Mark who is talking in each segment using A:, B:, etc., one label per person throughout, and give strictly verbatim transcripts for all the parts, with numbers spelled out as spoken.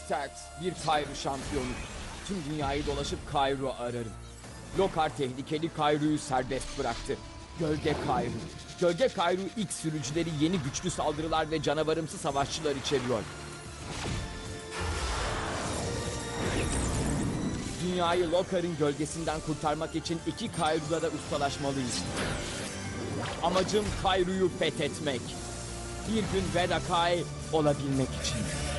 A: Tax, bir Kayru şampiyonu. Tüm dünyayı dolaşıp Kayru ararım. Lokar tehlikeli Kayru'yu serbest bıraktı. Gölge Kayru. Gölge Kayru ilk sürücüleri yeni güçlü saldırılar ve canavarımsı savaşçılar içeriyor. Dünyayı Lokar'ın gölgesinden kurtarmak için iki Kayru'da da ustalaşmalıyız. Amacım Kayru'yu fethetmek. Bir gün Vedakai olabilmek için.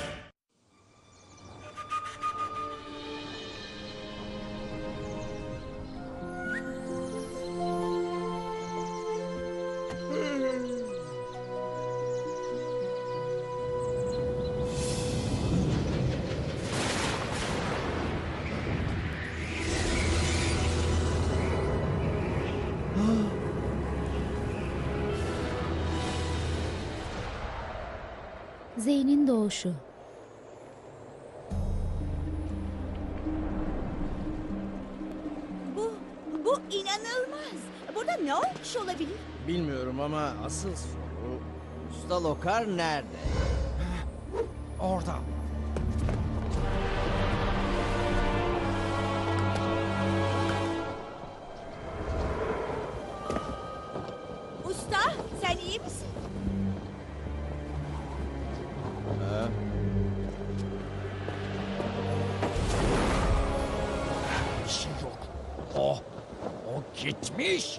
B: Zeyn'in doğuşu.
C: Bu, bu inanılmaz. Burada ne olmuş olabilir?
D: Bilmiyorum ama asıl soru Usta Lokar nerede?
E: Orada.
C: Usta, sen iyi misin?
D: Ha?
E: Bir şey yok. O, o gitmiş.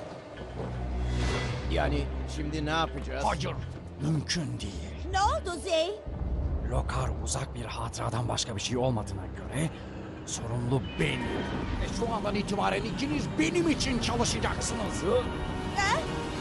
D: Yani şimdi ne yapacağız?
E: Hayır, mümkün değil.
C: Ne oldu Zey?
E: Lokar uzak bir hatıradan başka bir şey olmadığına göre sorumlu benim. Ve şu andan itibaren ikiniz benim için çalışacaksınız.
C: Ha?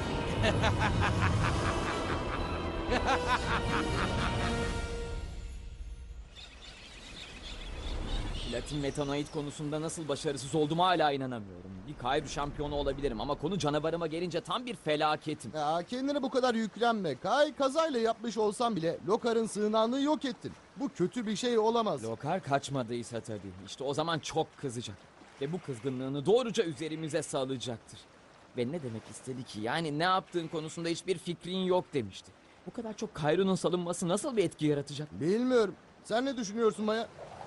A: Platin metanoid konusunda nasıl başarısız olduğuma hala inanamıyorum. Bir Kayru şampiyonu olabilirim ama konu canavarıma gelince tam bir felaketim.
F: Ya kendine bu kadar yüklenme. Kay kazayla yapmış olsan bile Lokar'ın sığınağını yok ettin. Bu kötü bir şey olamaz.
A: Lokar kaçmadıysa tabii. İşte o zaman çok kızacak. Ve bu kızgınlığını doğruca üzerimize salacaktır. Ve ne demek istedi ki? Yani ne yaptığın konusunda hiçbir fikrin yok demişti. Bu kadar çok Kayru'nun salınması nasıl bir etki yaratacak?
F: Bilmiyorum. Sen ne düşünüyorsun Maya?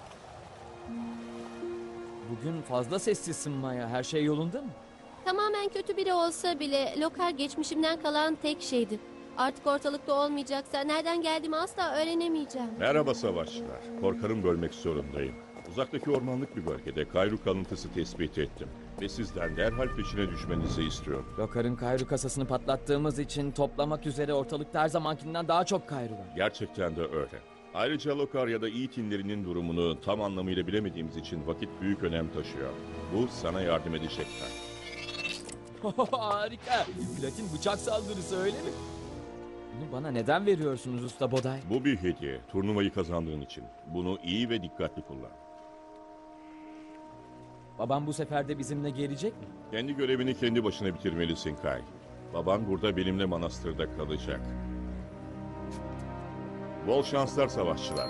A: Bugün fazla sessizsin Maya. Her şey yolunda mı?
B: Tamamen kötü biri olsa bile Lokar geçmişimden kalan tek şeydi. Artık ortalıkta olmayacaksa nereden geldiğimi asla öğrenemeyeceğim.
G: Merhaba savaşçılar. Korkarım bölmek zorundayım. Uzaktaki ormanlık bir bölgede Kayru kalıntısı tespit ettim. Ve sizden derhal peşine düşmenizi istiyorum.
A: Lokar'ın Kayru kasasını patlattığımız için toplamak üzere ortalıkta her zamankinden daha çok Kayru var.
G: Gerçekten de öyle. Ayrıca Lokar ya da Yiğitinlerinin durumunu tam anlamıyla bilemediğimiz için vakit büyük önem taşıyor. Bu sana yardım edecekler.
A: Harika. Platin bıçak saldırısı öyle mi? Bunu bana neden veriyorsunuz Usta Boday?
G: Bu bir hediye. Turnuvayı kazandığın için. Bunu iyi ve dikkatli kullan.
A: Babam bu sefer de bizimle gelecek mi?
G: Kendi görevini kendi başına bitirmelisin Kay. Baban burada benimle manastırda kalacak. Bol şanslar savaşçılar.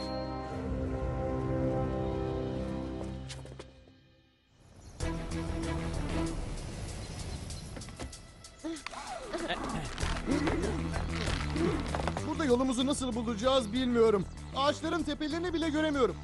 F: Burada yolumuzu nasıl bulacağız bilmiyorum. Ağaçların tepelerini bile göremiyorum.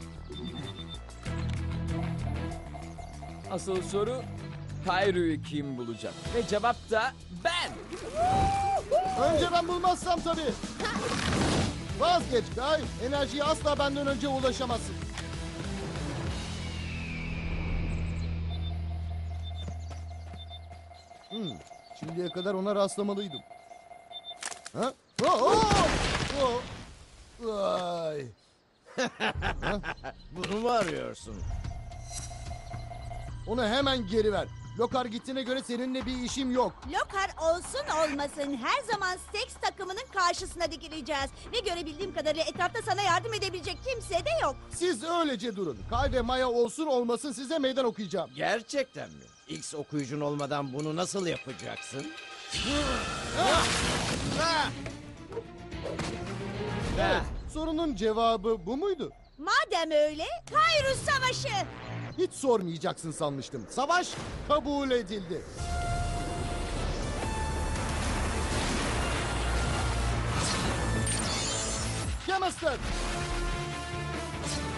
A: Asıl soru Kayru'yu kim bulacak? Ve cevap da ben.
F: Önce ben bulmazsam tabii. Vazgeç Kay. Enerjiye asla benden önce ulaşamazsın. Hmm, şimdiye kadar ona rastlamalıydım. Ha? Oh, oh! Oh! Vay!
D: Bunu mu arıyorsun?
F: Onu hemen geri ver. Lokar gittiğine göre seninle bir işim yok.
C: Lokar olsun olmasın her zaman Stax takımının karşısına dikileceğiz. Ve görebildiğim kadarıyla etrafta sana yardım edebilecek kimse de yok.
F: Siz öylece durun. Kay ve Maya olsun olmasın size meydan okuyacağım.
D: Gerçekten mi? X okuyucun olmadan bunu nasıl yapacaksın?
F: Evet, sorunun cevabı bu muydu?
C: Madem öyle Kayru Savaşı.
F: Hiç sormayacaksın sanmıştım. Savaş kabul edildi. Chemistry.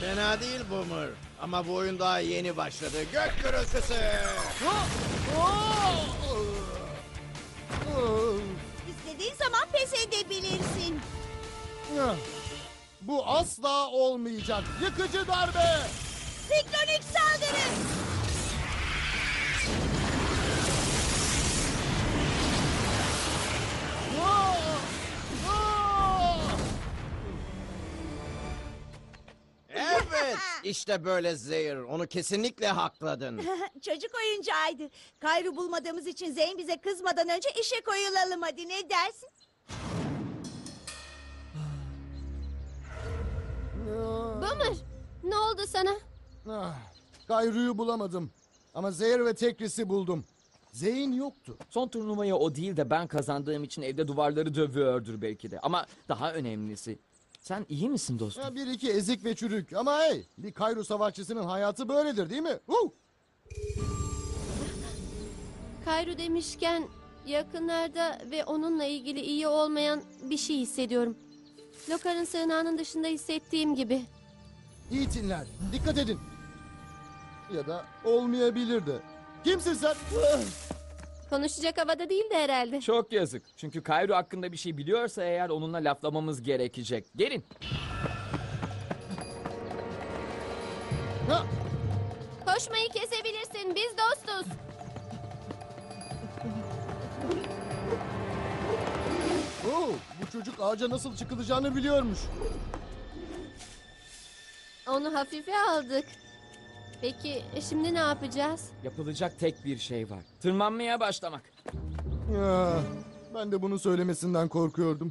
D: Fena değil Boomer. Ama bu oyun daha yeni başladı. Gök gürültüsü.
C: İstediğin zaman pes edebilirsin.
F: Bu asla olmayacak. Yıkıcı darbe.
C: Siklonik saldırı.
D: Evet. İşte böyle Zehir. Onu kesinlikle hakladın.
C: Çocuk oyuncağıydı. Kayru bulmadığımız için Zeyn bize kızmadan önce işe koyulalım hadi, ne dersin?
B: Boomer, ne oldu sana?
F: Ah, Kayru'yu bulamadım. Ama Zehir ve Tekris'i buldum. Zeyn yoktu.
A: Son turnuvayı o değil de ben kazandığım için evde duvarları dövüyordur belki de. Ama daha önemlisi, sen iyi misin dostum?
F: Ya bir iki ezik ve çürük. Ama hey, bir Kayru savaşçısının hayatı böyledir değil mi? Huh!
B: Kayru demişken yakınlarda ve onunla ilgili iyi olmayan bir şey hissediyorum. Lokar'ın sığınağının dışında hissettiğim gibi.
F: İyi dinler. Dikkat edin. Ya da olmayabilir de. Kimsin sen?
B: Konuşacak havada değil de herhalde.
A: Çok yazık. Çünkü Kayru hakkında bir şey biliyorsa eğer onunla laflamamız gerekecek. Gelin.
F: Ha!
B: Koşmayı kesebilirsin, biz dostuz.
F: Oo, bu çocuk ağaca nasıl çıkılacağını biliyormuş.
B: Onu hafife aldık. Peki e, şimdi ne yapacağız?
A: Yapılacak tek bir şey var. Tırmanmaya başlamak.
F: Ya, ben de bunu söylemesinden korkuyordum.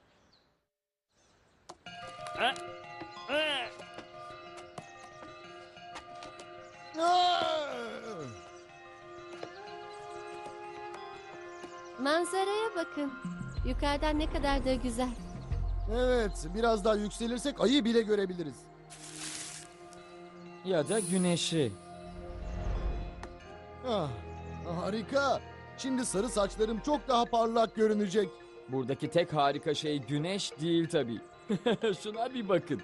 F: Ah!
B: Manzaraya bakın. Yukarıdan ne kadar da güzel.
F: Evet, biraz daha yükselirsek ayı bile görebiliriz.
A: Ya da güneşi.
F: Ah, harika. Şimdi sarı saçlarım çok daha parlak görünecek.
A: Buradaki tek harika şey güneş değil tabii. Şuna bir bakın.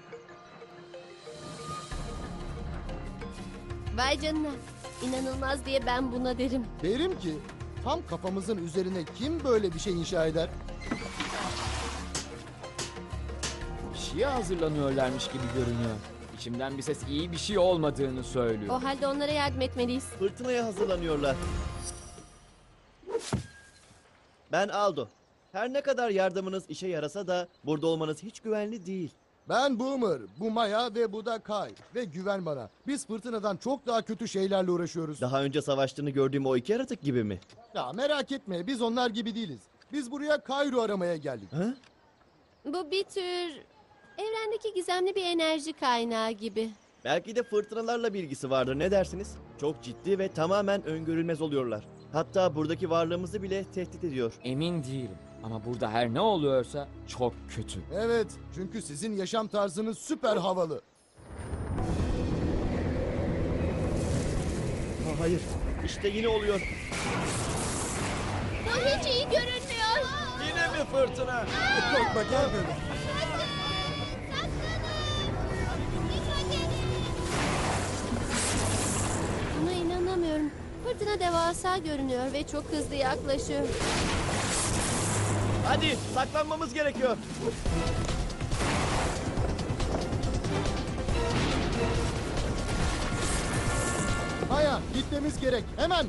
B: Vay canına. İnanılmaz diye ben buna derim.
F: Derim ki, tam kafamızın üzerine kim böyle bir şey inşa eder?
A: Bir şeye hazırlanıyorlarmış gibi görünüyor. İçimden bir ses iyi bir şey olmadığını söylüyor.
B: O halde onlara yardım etmeliyiz.
H: Fırtınaya hazırlanıyorlar. Ben Aldo. Her ne kadar yardımınız işe yarasa da burada olmanız hiç güvenli değil.
F: Ben Boomer, bu Maya ve bu da Kay. Ve güven bana, biz fırtınadan çok daha kötü şeylerle uğraşıyoruz.
H: Daha önce savaştığını gördüğüm o iki yaratık gibi mi?
F: Ya merak etme, biz onlar gibi değiliz. Biz buraya Kayru aramaya geldik.
H: Ha?
B: Bu bir tür evrendeki gizemli bir enerji kaynağı gibi.
H: Belki de fırtınalarla bir ilgisi vardır, ne dersiniz? Çok ciddi ve tamamen öngörülmez oluyorlar. Hatta buradaki varlığımızı bile tehdit ediyor.
A: Emin değilim. Ama burada her ne oluyorsa çok kötü.
F: Evet, çünkü sizin yaşam tarzınız süper havalı.
H: Ha, hayır, işte yine oluyor.
B: Bu hiç iyi görünmüyor.
D: Yine mi fırtına?
F: Korkma, gel böyle.
B: Buna inanamıyorum. Fırtına devasa görünüyor ve çok hızlı yaklaşıyor.
H: Hadi saklanmamız gerekiyor.
F: Maya, gitmemiz gerek, hemen.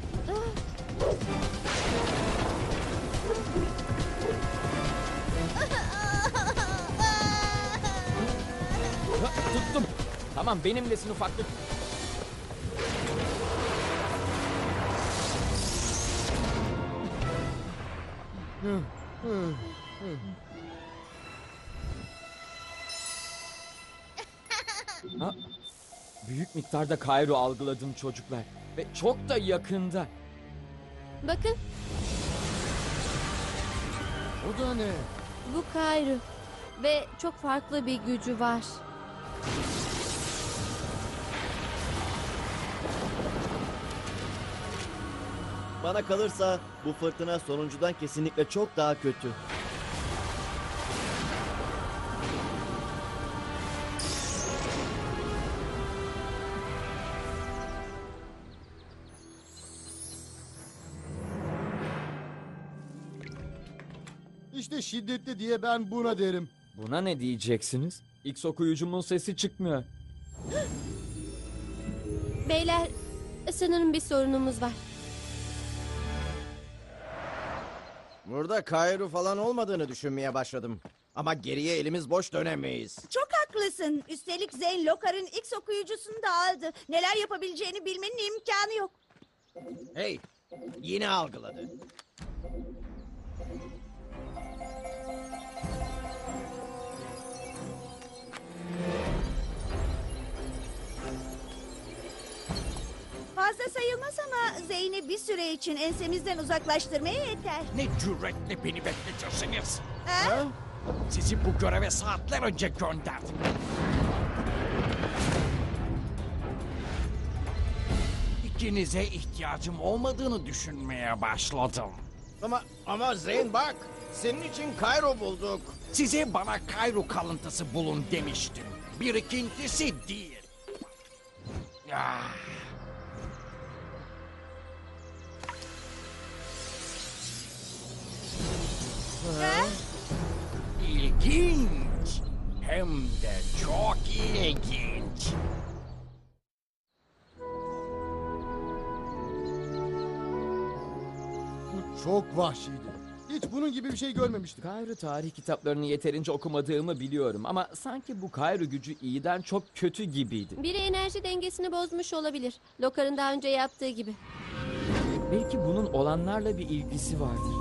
A: Ha, tuttum. Tamam benimlesin ufaklık. Ha, büyük miktarda Kayru algıladım çocuklar. Ve çok da yakında.
B: Bakın,
F: O da ne?
B: bu Kayru. Ve çok farklı bir gücü var.
H: Bana kalırsa bu fırtına sonuncudan kesinlikle çok daha kötü.
F: İşte şiddetli diye ben buna derim.
A: Buna ne diyeceksiniz? X okuyucumun sesi çıkmıyor.
B: Beyler, sanırım bir sorunumuz var.
D: Burada Kayru falan olmadığını düşünmeye başladım. Ama geriye elimiz boş dönemeyiz.
C: Çok haklısın. Üstelik Zeyn Lokar'ın X okuyucusunu da aldı. Neler yapabileceğini bilmenin imkanı yok.
D: Hey, yine algıladı.
C: Fazla sayılmaz ama Zeyn'i bir süre için ensemizden uzaklaştırmaya yeter.
E: Ne cüretle beni bekletirsiniz.
C: Ha?
E: Sizi bu göreve saatler önce gönderdim. İkinize ihtiyacım olmadığını düşünmeye başladım.
D: Ama ama Zeyn bak, senin için Kayru bulduk.
E: Size bana Kayru kalıntısı bulun demiştim. Birikintisi değil. Ah.
C: Ha?
E: İlginç. Hem de çok ilginç.
F: Bu çok vahşiydi. Hiç bunun gibi bir şey görmemiştim.
A: Kayru tarih kitaplarını yeterince okumadığımı biliyorum ama sanki bu Kayru gücü iyiden çok kötü gibiydi.
B: Biri enerji dengesini bozmuş olabilir. Lokar'ın daha önce yaptığı gibi.
A: Belki bunun olanlarla bir ilgisi vardır.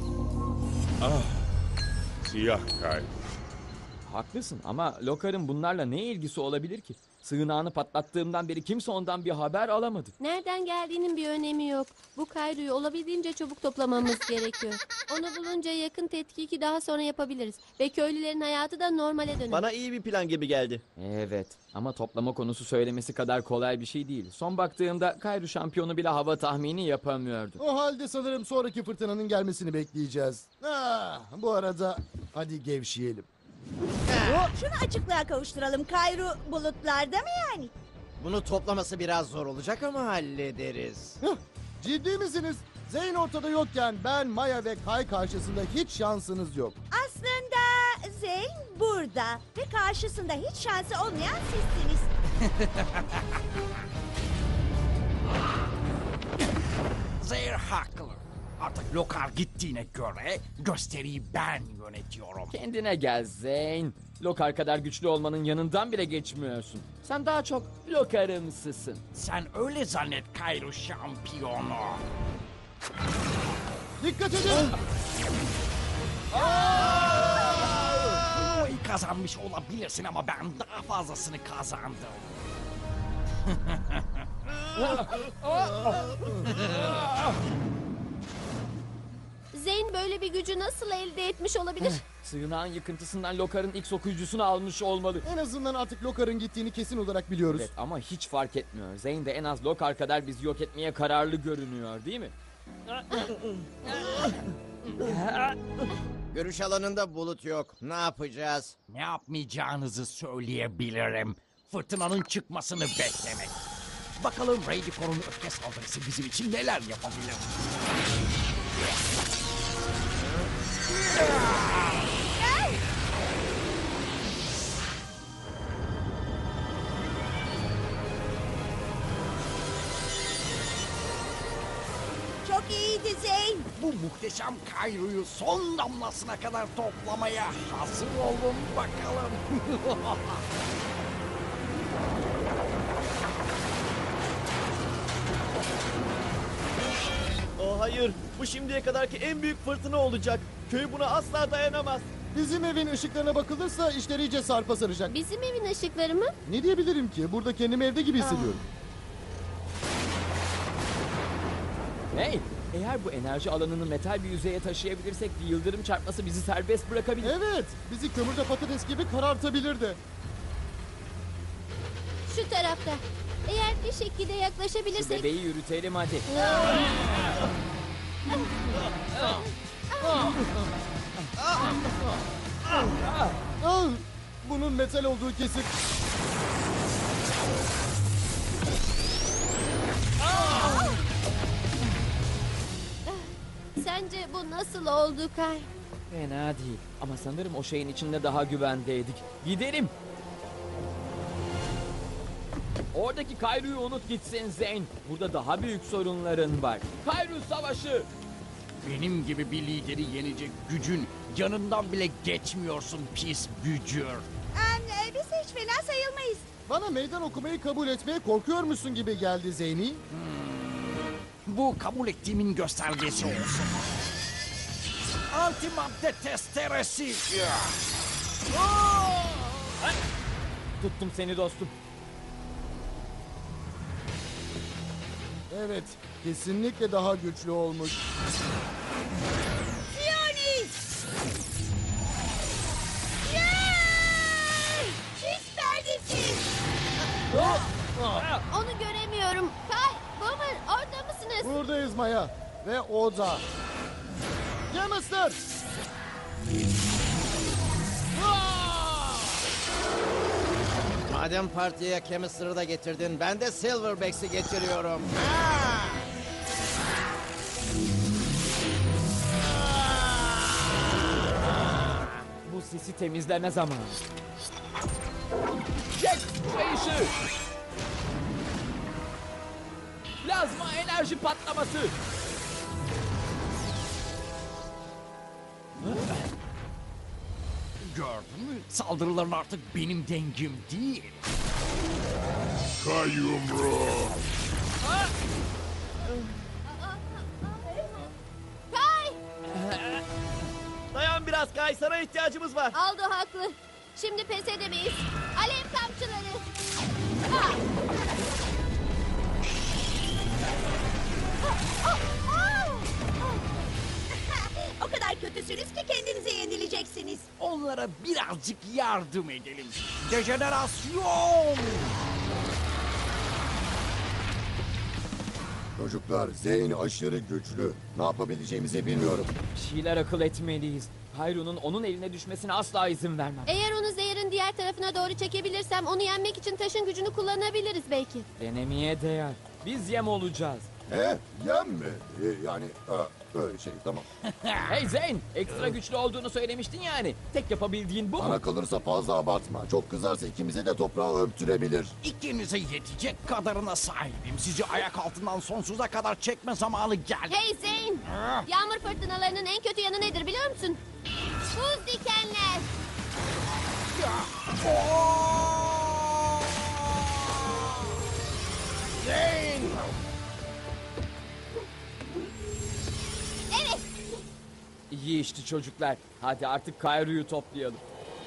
G: Siyah Kayru.
A: Haklısın ama Lokar'ın bunlarla ne ilgisi olabilir ki? Sığınağını patlattığımdan beri kimse ondan bir haber alamadı.
B: Nereden geldiğinin bir önemi yok. Bu Kayru'yu olabildiğince çabuk toplamamız gerekiyor. Onu bulunca yakın tetkiki daha sonra yapabiliriz. Ve köylülerin hayatı da normale döner.
H: Bana iyi bir plan gibi geldi.
A: Evet ama toplama konusu söylemesi kadar kolay bir şey değil. Son baktığımda Kayru şampiyonu bile hava tahmini yapamıyordu.
F: O halde sanırım sonraki fırtınanın gelmesini bekleyeceğiz. Ah, bu arada hadi gevşeyelim.
C: Şunu açıklığa kavuşturalım. Kayru bulutlarda mı yani?
D: Bunu toplaması biraz zor olacak ama hallederiz.
F: Hıh, ciddi misiniz? Zeyn ortada yokken ben, Maya ve Kay karşısında hiç şansınız yok.
C: Aslında Zeyn burada ve karşısında hiç şansı olmayan sizsiniz.
E: Zehir haklı. Artık Lokar gittiğine göre gösteriyi ben yönetiyorum.
A: Kendine gel Zeyn. Lokar kadar güçlü olmanın yanından bile geçmiyorsun. Sen daha çok Lokar'ımsısın.
E: Sen öyle zannet Kayru şampiyonu.
F: Dikkat edin!
E: Turnuvayı kazanmış olabilirsin ama ben daha fazlasını kazandım.
B: Zeyn böyle bir gücü nasıl elde etmiş olabilir?
A: Sığınağın yıkıntısından Lokar'ın X okuyucusunu almış olmalı.
F: En azından artık Lokar'ın gittiğini kesin olarak biliyoruz.
A: Evet ama hiç fark etmiyor. Zeyn de en az Lokar kadar bizi yok etmeye kararlı görünüyor değil mi?
D: Görüş alanında bulut yok. Ne yapacağız?
E: Ne yapmayacağınızı söyleyebilirim. Fırtınanın çıkmasını beklemek. Bakalım Radicor'un öfke saldırısı bizim için neler yapabilir?
C: Çok iyiydi Zeyn.
E: Bu muhteşem Kayru'yu son damlasına kadar toplamaya hazır olun bakalım.
H: Oh hayır, bu şimdiye kadarki en büyük fırtına olacak. Köy buna asla dayanamaz.
F: Bizim evin ışıklarına bakılırsa işler iyice sarpa saracak.
B: Bizim evin ışıkları mı?
F: Ne diyebilirim ki? Burada kendimi evde gibi hissediyorum.
A: Hey, eğer bu enerji alanını metal bir yüzeye taşıyabilirsek bir yıldırım çarpması bizi serbest bırakabilir.
F: Evet, bizi kömürde patates gibi karartabilir de.
B: Şu tarafta. Eğer bir şekilde yaklaşabilirsek...
A: Bebeği yürütelim hadi.
F: Ah, bunun metal olduğu kesin.
B: Sence bu nasıl oldu Kay?
A: Fena değil ama sanırım o şeyin içinde daha güvendeydik. Gidelim. Oradaki Kayru'yu unut gitsin Zeyn. Burada daha büyük sorunların var. Kayru savaşı.
E: Benim gibi bir lideri yenecek gücün yanından bile geçmiyorsun pis bücür.
C: Em, e, biz hiç fena sayılmayız.
F: Bana meydan okumayı kabul etmeye korkuyor musun gibi geldi Zeyni.
E: Bu kabul ettiğimin göstergesi olsun. Antimadde testeresi.
A: Tuttum seni dostum.
F: Evet, kesinlikle daha güçlü olmuş.
C: Sionis! Yay! Siz neredesiniz?
B: Onu göremiyorum. Kay, Boomer orada mısınız?
F: Buradayız Maya ve o da. Yemester!
D: Madem partiye Chemistry'ı da getirdin, ben de Silverbacks'i getiriyorum.
A: Bu sesi temizleme zamanı. Jack kayışı. Plazma enerji patlaması.
E: Gördün mü? Saldırıların artık benim dengim değil.
G: Kay yumruğu.
B: Kay,
H: Dayan biraz Kay, sana ihtiyacımız var.
B: Aldo haklı. Şimdi pes edemeyiz. Alev kamçıları. Ha!
C: O kadar kötüsünüz ki kendinize yenileceksiniz.
E: Onlara birazcık yardım edelim. Dejenerasyon!
I: Çocuklar, Zeyn aşırı güçlü. Ne yapabileceğimizi bilmiyorum.
A: Bir şeyler akıl etmeliyiz. Kayru'nun onun eline düşmesine asla izin vermem.
B: Eğer onu zehirin diğer tarafına doğru çekebilirsem onu yenmek için taşın gücünü kullanabiliriz belki.
A: Denemeye değer. Biz yem olacağız.
I: He? Yem mi? Ee, yani, e, öyle şey, tamam.
A: Hey Zeyn, ekstra güçlü olduğunu söylemiştin yani. Tek yapabildiğin bu mu?
I: Bana kalırsa fazla abartma. Çok kızarsa ikimize de toprağı öptürebilir.
E: İkinize yetecek kadarına sahibim. Sizi ayak altından sonsuza kadar çekme zamanı geldi.
B: Hey Zeyn! Yağmur fırtınalarının en kötü yanı nedir biliyor musun? Buz dikenler.
E: Zeyn!
B: Evet.
A: İyi işte çocuklar. Hadi artık Kayru'yu toplayalım.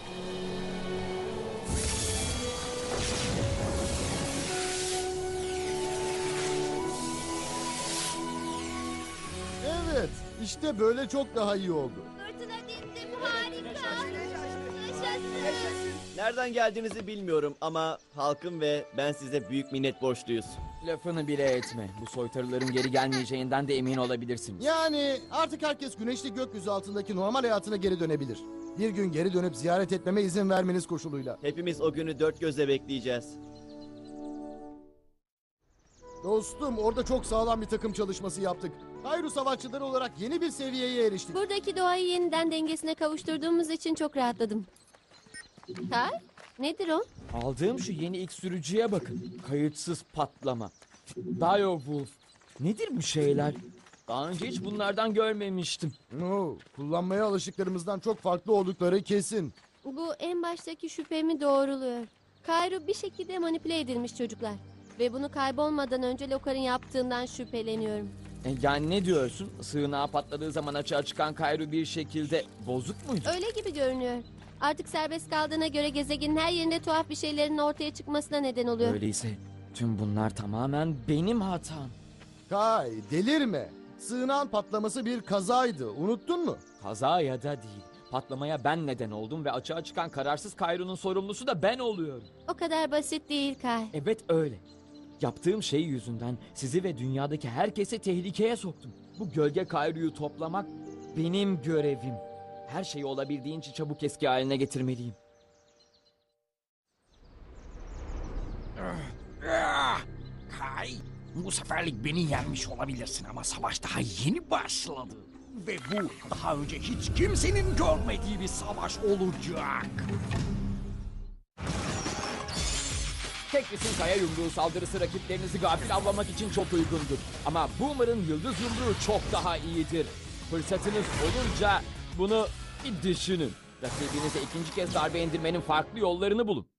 F: Evet, işte böyle çok daha iyi oldu.
B: Fırtına dindim harika. Yaşasın.
H: Nereden geldiğinizi bilmiyorum ama halkım ve ben size büyük minnet borçluyuz.
A: Lafını bile etme. Bu soytarıların geri gelmeyeceğinden de emin olabilirsiniz.
F: Yani artık herkes güneşli gökyüzü altındaki normal hayatına geri dönebilir. Bir gün geri dönüp ziyaret etmeme izin vermeniz koşuluyla.
H: Hepimiz o günü dört gözle bekleyeceğiz.
F: Dostum, orada çok sağlam bir takım çalışması yaptık. Kayru savaşçıları olarak yeni bir seviyeye eriştik.
B: Buradaki doğayı yeniden dengesine kavuşturduğumuz için çok rahatladım. Kay, nedir o?
A: Aldığım şu yeni ilk sürücüye bakın. Kayıtsız patlama. Direwolf. Nedir bu şeyler? Daha önce hiç bunlardan görmemiştim.
F: No, kullanmaya alışıklarımızdan çok farklı oldukları kesin.
B: Bu en baştaki şüphemi doğruluyor. Kayru bir şekilde manipüle edilmiş çocuklar. Ve bunu kaybolmadan önce Lokar'ın yaptığından şüpheleniyorum.
A: E, yani ne diyorsun? Sığınağa patladığı zaman açığa çıkan Kayru bir şekilde bozuk muydu?
B: Öyle gibi görünüyor. Artık serbest kaldığına göre gezegenin her yerinde tuhaf bir şeylerin ortaya çıkmasına neden oluyor.
A: Öyleyse tüm bunlar tamamen benim hatam.
F: Kay, delirme. Sığınağın patlaması bir kazaydı. Unuttun mu?
A: Kaza ya da değil. Patlamaya ben neden oldum ve açığa çıkan kararsız Kayru'nun sorumlusu da ben oluyorum.
B: O kadar basit değil Kay.
A: Evet öyle. Yaptığım şey yüzünden sizi ve dünyadaki herkesi tehlikeye soktum. Bu gölge Kayru'yu toplamak benim görevim. Her şeyi olabildiğince çabuk eski haline getirmeliyim.
E: Ah! Kay, bu seferlik beni yenmiş olabilirsin ama savaş daha yeni başladı. Ve bu daha önce hiç kimsenin görmediği bir savaş olacak.
A: Tekris'in kaya yumruğu saldırısı rakiplerinizi gafil avlamak için çok uygundur. Ama Boomer'ın yıldız yumruğu çok daha iyidir. Fırsatınız olunca bunu bir düşünün. Rakibinize ikinci kez darbe indirmenin farklı yollarını bulun.